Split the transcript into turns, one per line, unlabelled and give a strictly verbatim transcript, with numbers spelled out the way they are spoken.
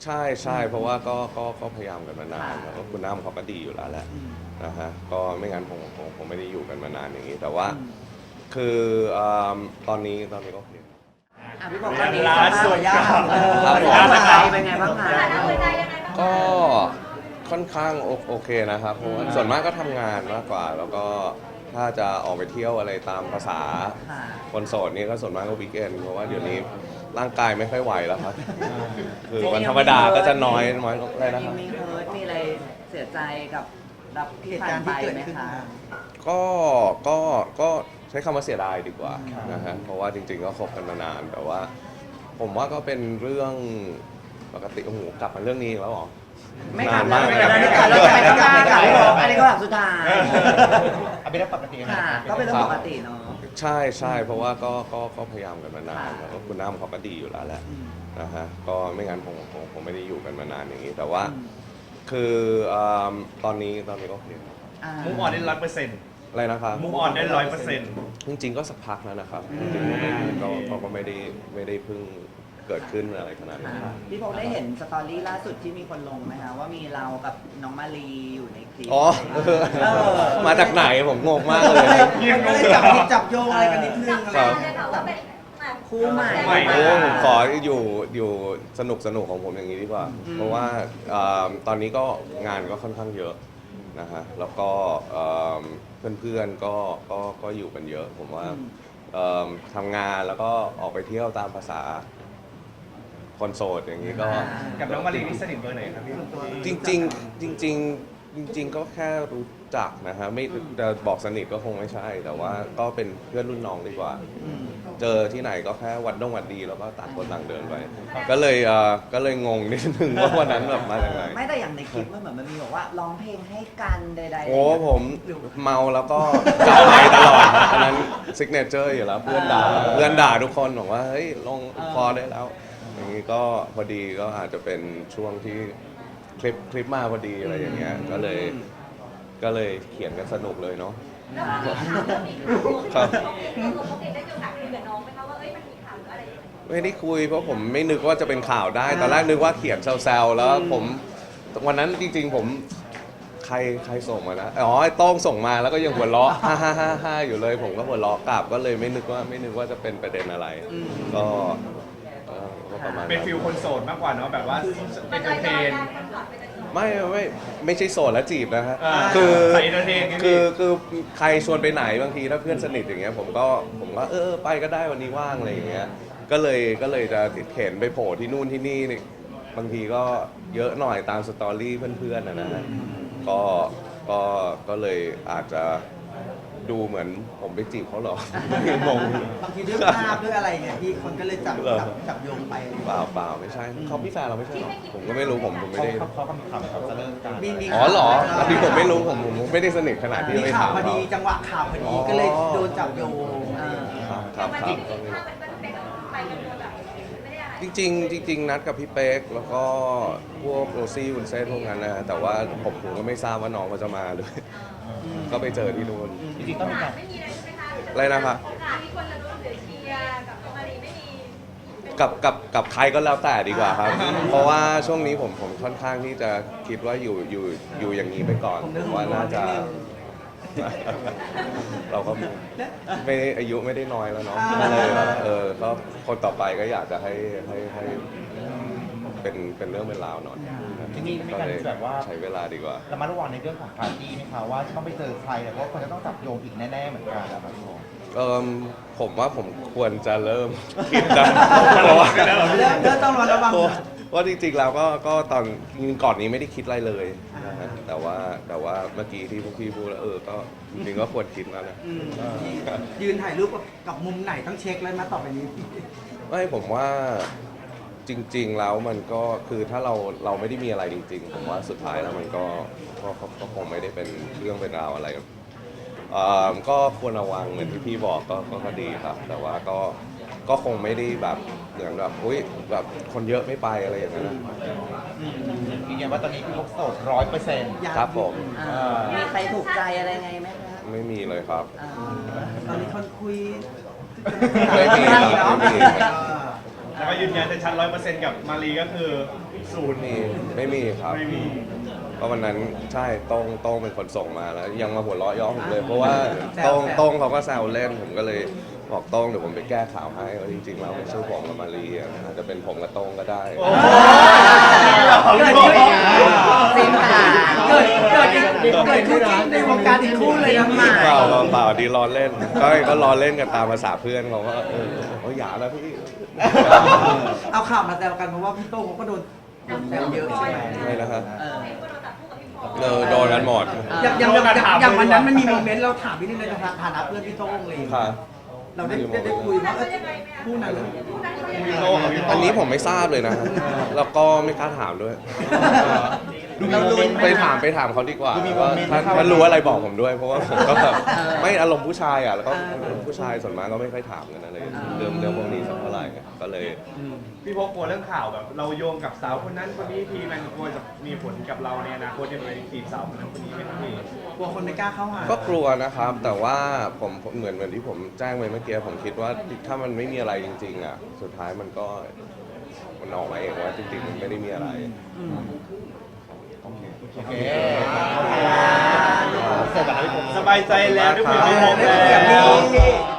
ใช่ใช่เพราะว่าก็ก็ก็พยายามกันมานานแล้วก็คุณน้ำเขาก็ดีอยู่แล้วแหละนะฮะก็ไม่งั้นผมผมผมไม่ได้อยู่กันมานานอย่างนี้แต่ว่าคืออ่าตอนนี้ตอนนี้ก็โอเค
อ่ะพี่บอกตอนนี้
ร้านสวย
ยาก
ครับ
เออ
ครับผม
หัวใจเป็นไงบ้างคะ
ก็ค่อนข้างโอโอเคนะครับเพราะว่าส่วนมากก็ทำงานมากกว่า แล้วก็ถ้าจะออกไปเที่ยวอะไรตามภาษา
ค่ะ
คนโสดนี่ก็ส่วนมากก็วีคเอนด์เพราะว่าเดี๋ยวนี้ร่างกายไม่ค่อยไหวแล้วครับคือวันธรรมดาก็จะน้อยน้อยอะไรนะครับ
มีเฮิร์ตมีอะไรเสียใจกับรับที่
เหตุ
ผ่า
การ
น
ณ์
ไป
ที่เกิด
ไหม
ขึ้น
คะ
มา
ก็ก็ก็ใช้คำว่าเสียดายดีกว่านะฮะเพราะว่าจริงๆก็คบกันมานานแต่ว่า ผมว่าก็เป็นเรื่องปกติโอ้โหกลับมาเรื่องนี้อีกแล้วเหรอ
ไม่กลับ
นาน
แล้ว
มาก
ไม่กลับแล้วไม่กลับแล้วไม่กลับไม่กลับอันนี้ก็แบบสุดท้าย
เอาเป็นเรื่องปกตินะ
ค่ะ ก็เป็นเรื่องปกติเนาะ
ใช่ใช่เพราะว่าก็ก็ก็พยายามกันมานาน
ค่ะ
แล้วก็คุณน้ำเขาก็ดีอยู่แล้วแหละนะฮะก็ไม่งั้นผมผมผมไม่ได้อยู่กันมานานอย่างนี้ แต่ว่าคืออ่าตอนนี้ตอนนี้ก็โอเค
อ่า
มุกออนได้ร้อยเปอร์เซ็นต์
อะไรนะครับ
มุกออนได้ร้อยเปอร์เซ็นต์
จริงๆก็สักพักแล้วนะครับจริงๆก็ไม่ก็ก็ก็ไม่ได้ไม่ได้เพิ่งเกิดขึ้นอะไรขนาดนั้น
ค่ะพี่พงษ์ได้เห็นสตอรี่ล่าสุดที่มีคนลงไหมคะว่ามีเรากับน้องมารีอยู่ในคลิป
อ๋อเออ
เออ
มาจากไหนผมงงมากเลย
ก็เลยจับผิดจับโยงอะไรกันนิดนึงอะไร
ครับ
คู่ใหม่
ใหม่
โอ้ผมขออยู่อยู่สนุกสนุกของผมอย่างนี้ดีกว่า เพราะว่าเอ่อตอนนี้ก็งานก็ค่อนข้างเยอะนะฮะแล้วก็เพื่อนเพื่อนๆก็ก็ก็อยู่กันเยอะ ผมว่าเอิ่มทำงานแล้วก็ออกไปเที่ยวตามภาษาคนโสดอย่างนี้ก็
กับน้องมารีนี่สนิทเบอร์ไหนครับพี่
จริงจริงๆจริงๆจริง ๆ ก็แค่รู้จักนะฮะไม่จะบอกสนิทก็คงไม่ใช่ แต่ว่าก็เป็นเพื่อนรุ่นน้องดีกว่า เจอที่ไหนก็แค่วัดดงวัดดีแล้วก็ต่างคนต่างเดินไป ก็เลยเอ่อก็เลยงงนิดนึงว่าวันนั้นแบบมาจากไหน
ไม่แต่อย่างในคลิปมันเหมือนมันมีบอกว่าร้องเพลงให้กันใดๆ
โอ้ผมเมาแล้วก็จับไมค์ตลอดอันนั้นซิกเนเจอร์อยู่แล้วเพื่อนด่าเพื่อนด่าทุกคนบอกว่าเฮ้ยลงพอได้แล้ว อย่างนี้ก็พอดีก็อาจจะเป็นช่วงที่คลิปคลิปมาพอดีอะไรอย่างเงี้ยก็เลยก็เลยเขียนกันสนุกเลยเนาะ
แล้วมันมีข่าวแล้วมีข่าว
ครับ
ปกติได้มีโอกาสคุยกับน้องไหมคะว่าเอ้ยมันมีข่าวหรืออะไรอย่างเงี้ย
ไม่ได้คุยเพราะผมไม่นึกว่าจะเป็นข่าวได้ตอนแรกนึกว่าเขียนแซวๆแล้วผมวันนั้นจริงๆผมใครใครส่งมานะอ๋อไอ้โต้งส่งมาแล้วก็ยังหัวเราะฮ่าฮ่าฮ่าฮ่าอยู่เลย ผมก็หัวเราะกลับก็เลยไม่นึกว่าไม่นึกว่าจะเป็นประเด็นอะไร ก็ก็ก็ประมาณ
เป็น
นั้น
ฟิลคนโสดมากกว่าเนาะแบบว่าเอนเตอร์เทน
ไม่ไม่ไม่ใช่โสดแล้วจีบนะฮะ
อ่า
คือ
ใส่ entertain ไงพี่
คือคือใครชวนไปไหนบางทีถ้าเพื่อนสนิทอย่างเงี้ยผมก็ผมก็เออไปก็ได้วันนี้ว่างอะไรอย่างเงี้ยก็เลยก็เลยจะเข็นไปโผล่ที่นู่นที่นี่นี่บางทีก็เยอะหน่อยตามสตอรี่เพื่อนๆนะนะฮะก็ก็ก็เลยอาจจะดูเหมือนผมไปจีบเขาเหรอ งง
บางทีด้วยภาพด้วยอะไรเนี่ยพี่คนก็เลยจับ
เหรอ
จับจับโยงไป
เปล่าเปล่าไม่ใช่เขาพี่แฟนเราไม่ใช่หรอผมก็ไม่รู้ผมผมไม่ได้
เขาก็มีข่าวเขาจะเลิกกัน
มีมี
อ๋อเหรออันนี้ผมไม่รู้ผมผมไม่ได้สนิทขนาดที่
มี
ไป
ข่าว
ถาม
พอ
เขา
ดีจังหวะข่าวพอดีก็เลยโดนจับโยงเออ
ครับครับ
มัน
ครั
มี
บก็ไม่
ถ้ามันมันเป็นไปกันโดยแบบไม่ได้อะไร
จริงๆจริงๆนัดกับพี่เป๊กแล้วก็พวกโรซี่วุนเซ่นพวกนั้นนะแต่ว่าผมผมก็ไม่ทราบว่าน้องเขาจะมาด้วยก็ไปเจอที่นู่น
จริงๆต้องมีการ
ไม่มีเลยใช่ไหมคะ
อะไรนะครับ
โอกาสมีคนจะรู้หรือเชียร์กับน้องมารีไม่มี
กับกับกับใครก็แล้วแต่ดีกว่าครับ เพราะว่าช่วงนี้ผมผมค่อนข้างที่จะคิดว่าอยู่อยู่อยู่อย่างนี้ไปก่อนผมว่าน่าจะ เราก็ไม่ได้อายุไม่ได้น้อยแล้วเนาะก็เลยแบบเออก็คนต่อไปก็อยากจะให้ให้ให้เป็นเป็นเรื่องเป็นราวหน่อย
จริงๆมีการ
เลย
แบบว่า
ใช้เวลาดีกว่า
ระมัดระวังในเรื่องของปาร์ตี้ไหมคะว่าจะต้องไปเจอใครแต่ว่าคนจะต้องจับโยงอีกแน่ๆเหมือนกันนะครับพี่โม
เออผมว่าผมควรจะเริ่ม คิดนะเพราะว่า
เริ่มเริ่มต้องระวัง
เพราะว่าจริงๆแล้วก็ก็ตอนก่อนนี้ไม่ได้คิดอะไรเลยนะฮะแต่ว่าแต่ว่าเมื่อกี้ที่พวกพี่พูดแล้วเออก็จริงๆก็ควรคิดแล้วนะ
อืมยืนถ่ายรูปกับกับมุมไหนต้องเช็คเลยนะต่อไปนี้
ไม่ผมว่าจริง ๆ แล้วมันก็คือถ้าเราเราไม่ได้มีอะไรจริง ๆ ผมว่าสุดท้ายแล้วมันก็ก็ก็ก็คงไม่ได้เป็นเรื่องเป็นราวอะไรเอ่อก็ควรระวังเหมือนที่พี่บอกก็ก็ก็ดีครับ แต่ว่าก็ก็คงไม่ได้แบบเหมือนแบบอุ้ยแบบคนเยอะไม่ไปอะไรอย่างนั้นนะ
ยืนยันว่าตอนนี้พี่พกโสดร้อยเปอร์เซ็นต์
ครับผม
อ่ามีใครถูกใจอะไรไงไหมคะ
ไม่มีเลยครับ
อ่า
ตอนนี้คนคุย
ไม่มีครับไม่มี
เออ
อ
แล้วก็ยืนยันชัดร้อยเปอร์เซ็นต์กับมารีก็คือศูนย์
มีไม่มีครับ
ไม่มี
เพราะวันนั้นใช่โต้งโต้งเป็นคนส่งมาแล้ว ยังมาหัวเราะย่อผมเลย เพราะว่าโต้งโต้งเขาก็แซวเล่นผมก็เลยบอกโต้งเดี๋ยวผมไปแก้ข่าวให้ว่าจริงๆแล้วไม่ใช่ผมกับมารีอะอาจจะเป็นผมกับโต้งก็ได้
เกิดขึ้นสินหาเกิดเกิดเกิดขึ้นในวงการอีกคู่เลยนะหมาย
เปล่าเปล่าเปล่าดีล้อเล่น ก็ก็ล้อเล่นกันตามภาษาเพื่อนเขาก็เออเขาอย่าแล้วพี่
เอาข่าวมาแซวกันเพราะว่าพี่โต้งเขาก็โดนโดนแซวเยอะใช่ไหม
ไม่นะครับ
เออ
เห็นว่าเราจับคู่กับพี่พอ
เออโดนกันหมด
อย่างอย่างอย่างอย่างอย่างวันนั้นมันมีโมเมนต์เราถามพี่นี่ในฐานะเพื่อนพี่โต้งเลย
ค่ะ
เราได้ได้ได้คุยว่าเอ้ยคู่นั้น
คู่นั้นเขายังไง
พี่โต้กับพี่พ
อันนี้ผมไม่ทราบเลยนะ แล้วก็ไม่กล้าถามด้วย
เราลุ้นไหม
ไป
คะ
ถามไปถามเขาดีกว่า
ดูมี
ว่า
โมเมนต์
ถ้า
ที่เข้า
ถ้ารู้อะไรบอกผมด้วย เพราะว่าผมก็แบบ
เออ
ไม่อารมณ์ผู้ชายอ่ะแล้วก็
เออ
ผู้ชายส่วนมากก็ไม่ค่อยถามกันอะไร
เออ
เรื่องเรื่องพวกนี้สักเท่าไหร่ก็เลย
พี่พกกลัวเรื่องข่าวแบบ เราโยงกับสาวคนนั้นคนนี้ทีมันกลัวจะมีผลกับเราในอนาคตจะไปจีบสาวคนนั้นคนนี้ไหมครับพี่
กลัวคนไม่กล้าเข้าหา
ก็กลัวนะครับ แต่ว่าผมผมเหมือนเหมือนที่ผมแจ้งไปเมื่อกี้ผมคิดว่าถ้ามันไม่มีอะไรจริงๆอ่ะสุดท้ายมันก็มันออกมาเองว่าจริงๆมันไม่ได้มีอะไร
โอเคเสร็จแล้วพี่ผม
สบายใจแล้วที่คุยกับพี่พก
ได้
แล้
คุยกับ
ว
พี่